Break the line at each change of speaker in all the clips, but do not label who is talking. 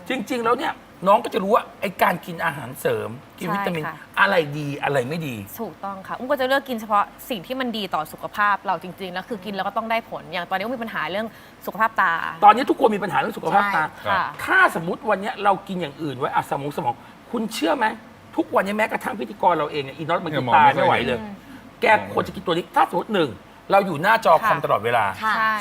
จริง ๆ แล้วเนี่ยน้องก็จะรู้ว่าไอ้การกินอาหารเสริมกินวิตามินอะไรดีอะไรไม่ดี
ถูกต้องค่ะก็จะเลือกกินเฉพาะสิ่งที่มันดีต่อสุขภาพเราจริงๆแล้วคือกินแล้วก็ต้องได้ผลอย่างตอนนี้มีปัญหาเรื่องสุขภาพตา
ตอนนี้ทุกคนมีปัญหาเรื่องสุขภาพตา
ค่ะ
ถ้าสมมติวันนี้เรากินอย่างอื่นไว้สมองคุณเชื่อไหมทุกวันนี้แม้กระทั่งพิธีกรเราเองเนี่ยอีน็อตมันกินตาไม่ไหวเลยแกควรจะกินตัวนี้ถ้าสมมติ1เราอยู่หน้าจอคอมตลอดเวลา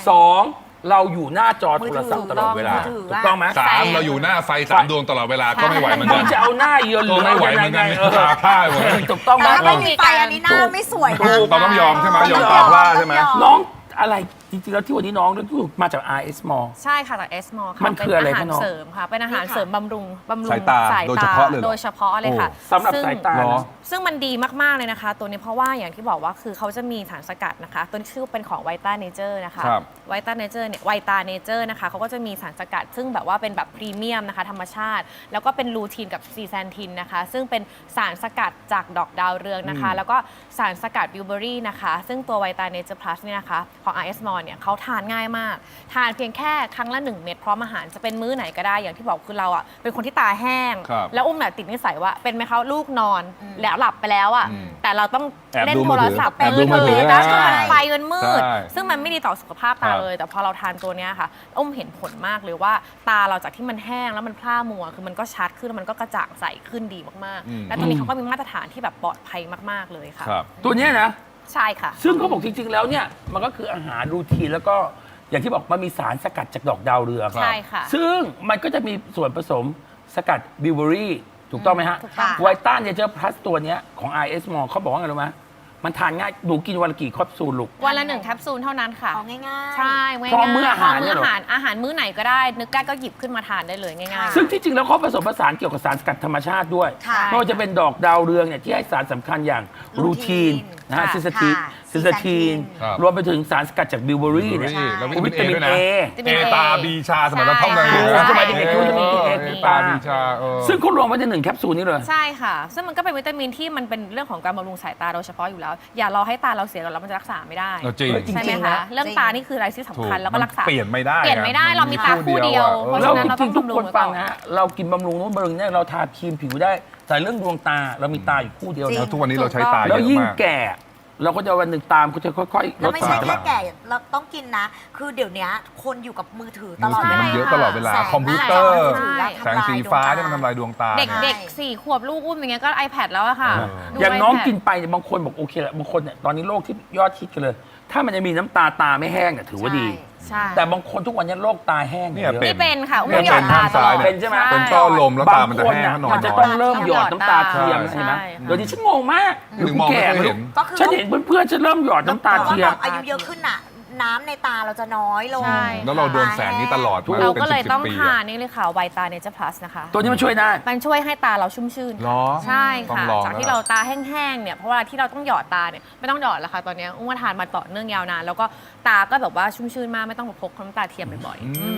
2เราอยู่หน้าจอโทรศัพท์ตลอดเวลาถูกต้องไหม
3เราอยู่หน้าไฟ3 ดวงตลอดเวลาก็ไม่ไหวเหมือนกัน
จะเอาหน้าเยือนหรือ
ไม่ไหวเหมือนกันตาพร่าหมด
ถูกต้องไหม
ไม่มีไฟอันนี้หน้าไม่สวยนะ
เราต้องยอมใช่ไหมยอมตาพร่าใช่ไหม
น้องอะไรจริงๆแล้วที่วันนี้น้องเรื่องที่มาจาก RS Mall
ใช่ค่ะจาก S Mall ค่ะ
มันคืออะไรคะน้อง
เป็นอาหารเสริมค่ะเป็นอาหารเสริมบำรุง
สายตาโดยเฉพาะเลย
ค่ะ
สำหรับสายตา
ซึ่งมันดีมากๆเลยนะคะตัวนี้เพราะว่าอย่างที่บอกว่าคือเขาจะมีสารสกัดนะคะตัวนี้ชื่อเป็นของไวต้าเนเจอร์นะคะไวต้าเนเจอร์เนี่ยไวตาเนเจอร์นะคะเขาก็จะมีสารสกัดซึ่งแบบว่าเป็นแบบพรีเมียมนะคะธรรมชาติแล้วก็เป็นลูทีนกับซีแซนทินนะคะซึ่งเป็นสารสกัดจากดอกดาวเรืองนะคะแล้วก็สารสกัดบิวเบอรี่นะคะซึ่งตัวไวตาเนเจอร์พลัสเนี่ยนะคะของ RS Mall เนี่ยเขาทานง่ายมากทานเพียงแค่ครั้งละ1 เม็ดพร้อมอาหารจะเป็นมื้อไหนก็ได้อย่างที่บอกคือเราอ่ะเป็นคนที่ตาแห้งแล้วอุ้มเนี่ยติดนิสัยว่าเป็นไหมคะลูกนอนแล้วหลับไปแล้วอ่ะแต่เราต้องเล่นโทรศัพท์
แอบดูมือถือ
แล้วไฟมันมืดซึ่งมันไม่ดีต่อสุขภาพตาเลยแต่พอเราทานตัวเนี้ยค่ะอุ้มเห็นผลมากเลยว่าตาเราจากที่มันแห้งแล้วมันพร่ามัวคือมันก็ชัดขึ้นแล้วมันก็กระจ่างใสขึ้นดีมากๆและตัวนี้เขาก็มีมาตรฐานที่แบบปลอดภัยมากๆเลยค่ะ
ตัวเนี้ยนะ
ใช่ค่ะ
ซึ่งเขาบอกจริงๆแล้วเนี่ยมันก็คืออาหารรูทีนแล้วก็อย่างที่บอกมันมีสารสกัดจากดอกดาวเรือง
ใช่ค่ะ
ซึ่งมันก็จะมีส่วนผสมสกัดบิวเบอรี่ถูกต้องไหมฮะไวต้าเนเจอร์พลัสตัวเนี้ยของ RS Mall เขาบอกว่าไงรู้ไหมมันทานง่ายหนูกินวันละกี่แคปซูลลูก
วันละ1 แคปซูลเท่านั้นค่ะ
ง่ายๆ
ใช่
พร้อมมื้ออาหาร
อาหารมื้อไหนก็ได้นึกได้ก็หยิบขึ้นมาทานได้เลยง่าย
ๆซึ่งที่จริงแล้วเขาผสมผสานเกี่ยวกับสารสกัดธรรมชาติด้วยไม่ว่าจะเป็นดอกดาวเรืองเนี่ยที่ให้สารสำคัญอย่างรูทีนนะฮะซิสทีนรวมไปถึงสารสกัดจากบิวเบอรี่เนี่ย
แล้ววิตามิน
เอ
ตาบีชาสมัยเราท่องเลย
สมัยเด็กๆวิตามินเอ
ตาบีชา
ซึ่งเขารวมไว้ใน1 แคปซูลนี้เลย
ใช่ค่ะซึ่งมันก็เป็นวิตามินที่มันเป็นเรื่องของการบำรุงสายตาโดยเฉพาะอยู่แล้วอย่ารอให้ตาเราเสียก่อนแล้วมันจะรักษาไม่ได้ใช่ไหมคะเรื่องตานี่คืออะไรที่สำคัญแล้วก็รักษา
เปลี่ยนไม่ได้
เรามีตาคู่เดียว
เราจริงๆทุกคนฟังนะฮะเรากินบำรุงนู้นบำรุงนี่เราทาครีมผิวได้แต่เรื่องดวงตาเรามีตาอยู่คู่เดียว
แล้วทุกวันนี้เราใช้ตาเยอะมาก
แล้วยิ่งแก่เราก็จะวันหนึ่งตามก็จะค่อยๆล
ดไม่ใช่แค่แก่เราต้องกินนะคือเดี๋ยวนี้คนอยู่กับมือถือตลอดเวลา
มันเยอะตลอดเวลาคอมพิวเตอร์แสงสีฟ้าเนี่ยมันทำลายดวงตา
เด็ก4 ขวบลูกอุ้มอย่างเงี้ยก็ iPad แล้วอะค่ะ
อย่างน้องกินไปบางคนบอกโอเคแหละบางคนเนี่ยตอนนี้โรคที่ยอดฮิตกันเลยถ้ามันจะมีน้ำตาไม่แห้งเนี่ยถือว่าดีแต่บางคนทุกวันนี้โรคตาแห้ง
เนี่ย
เป็นค่ะอุ้มหยอดตาตลอด
เป็นใช่ไหม
เป็นต้อลมแล้วตามันจะแห้ง
มันจะต้องเริ่มหยอดน้ำตาเทียมใช่ไหมเดี๋ยวนี้ฉันงงมาก
หรือมองไม่เห็น
ฉันเห็นเพื่อนๆฉันเริ่มหยอดน้ำตาเทียม
อายุเยอะขึ้นน่ะน้ำในตาเราจะน้อยลง
แล้วเราโดนแสงนี้ตลอด
เราก็เลยต้องทานนี่เลยค่ะไวตาเนเจอร์พลัสนะคะ
ตัวนี้มันช่วยได้
มันช่วยให้ตาเราชุ่มชื่นใช่ค่ะจากที่เราตาแห้งๆเนี่ยเพราะว่าที่เราต้องหยอดตาเนี่ยไม่ต้องหยอดแล้วค่ะตอนนี้อุ้งทานมาต่อเนื่องยาวนานแล้วก็ตาก็แบบว่าชุ่มชื่นมากไม่ต้องพกน้ำตาเทียมบ่อยๆ